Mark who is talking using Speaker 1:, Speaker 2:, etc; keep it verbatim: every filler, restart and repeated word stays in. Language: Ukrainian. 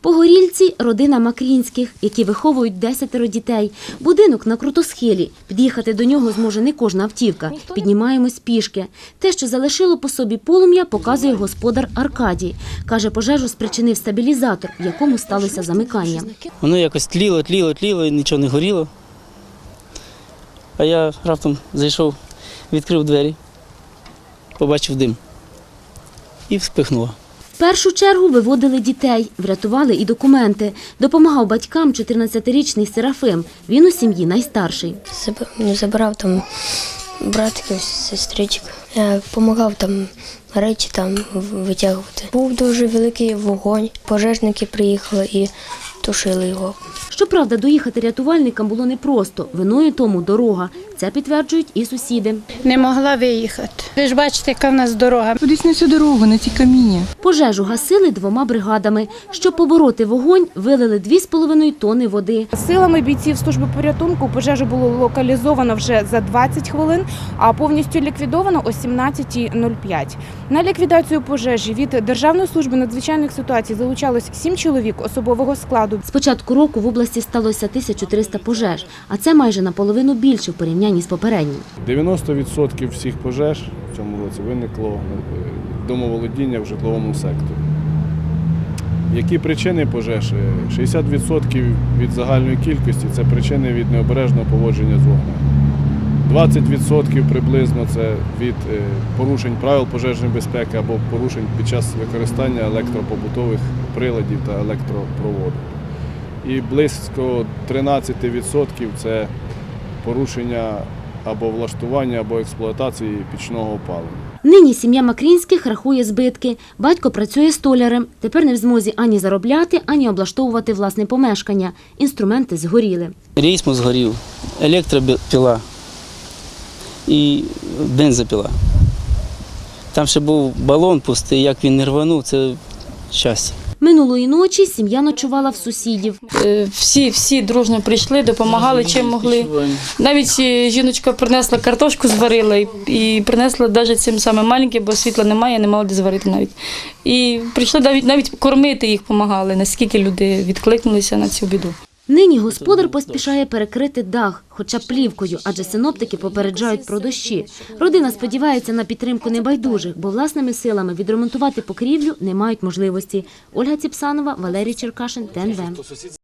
Speaker 1: Погорільці – родина Макрінських, які виховують десятеро дітей. Будинок на крутосхилі. Під'їхати до нього зможе не кожна автівка. Піднімаємось пішки. Те, що залишило по собі полум'я, показує господар Аркадій. Каже, пожежу спричинив стабілізатор, в якому сталося замикання.
Speaker 2: Воно якось тліло, тліло, тліло, і нічого не горіло. А я раптом зайшов, відкрив двері, побачив дим і вспихнуло.
Speaker 1: В першу чергу виводили дітей, врятували і документи. Допомагав батькам чотирнадцятирічний Серафим. Він у сім'ї найстарший.
Speaker 3: Забирав там братиків, сестричок. Я допомагав там речі там витягувати. Був дуже великий вогонь. Пожежники приїхали і тушили його.
Speaker 1: Щоправда, доїхати рятувальникам було непросто. Виною тому дорога. Це підтверджують і сусіди.
Speaker 4: Не могла виїхати. Ви ж бачите, яка в нас дорога.
Speaker 5: Кудись на цю дорогу, на ці каміння.
Speaker 1: Пожежу гасили двома бригадами. Щоб побороти вогонь, вилили дві з половиною тонни води.
Speaker 6: Силами бійців служби порятунку пожежу було локалізовано вже за двадцять хвилин, а повністю ліквідовано о сімнадцятій нуль п'ять. На ліквідацію пожежі від Державної служби надзвичайних ситуацій залучалось сім чоловік особового складу.
Speaker 1: З початку року в області сталося тисяча триста пожеж, а це майже наполовину більше в порівнянні з попереднім.
Speaker 7: дев'яносто відсотків всіх пожеж в цьому році виникло домоволодіння в житловому секторі. Які причини пожеж? шістдесят відсотків від загальної кількості – це причини від необережного поводження з вогнем. двадцять відсотків приблизно – це від порушень правил пожежної безпеки або порушень під час використання електропобутових приладів та електропроводок. І близько тринадцять відсотків – це порушення або влаштування, або експлуатації пічного опалення.
Speaker 1: Нині сім'я Макрінських рахує збитки. Батько працює столярем. Тепер не в змозі ані заробляти, ані облаштовувати власне помешкання. Інструменти згоріли.
Speaker 2: Рейсмо згорів, електропіла і бензопіла. Там ще був балон пустий, як він не рванув, це щастя.
Speaker 1: Минулої ночі сім'я ночувала в сусідів.
Speaker 8: Всі, всі дружно прийшли, допомагали чим могли. Навіть жіночка принесла картошку, зварила і, і принесла навіть цим самим маленьким, бо світла немає, не мала де зварити навіть. І прийшли навіть, навіть кормити їх допомагали, наскільки люди відкликнулися на цю біду.
Speaker 1: Нині господар поспішає перекрити дах, хоча плівкою, адже синоптики попереджають про дощі. Родина сподівається на підтримку небайдужих, бо власними силами відремонтувати покрівлю не мають можливості. Ольга Ціпсанова, Валерій Черкашин, ТНВ.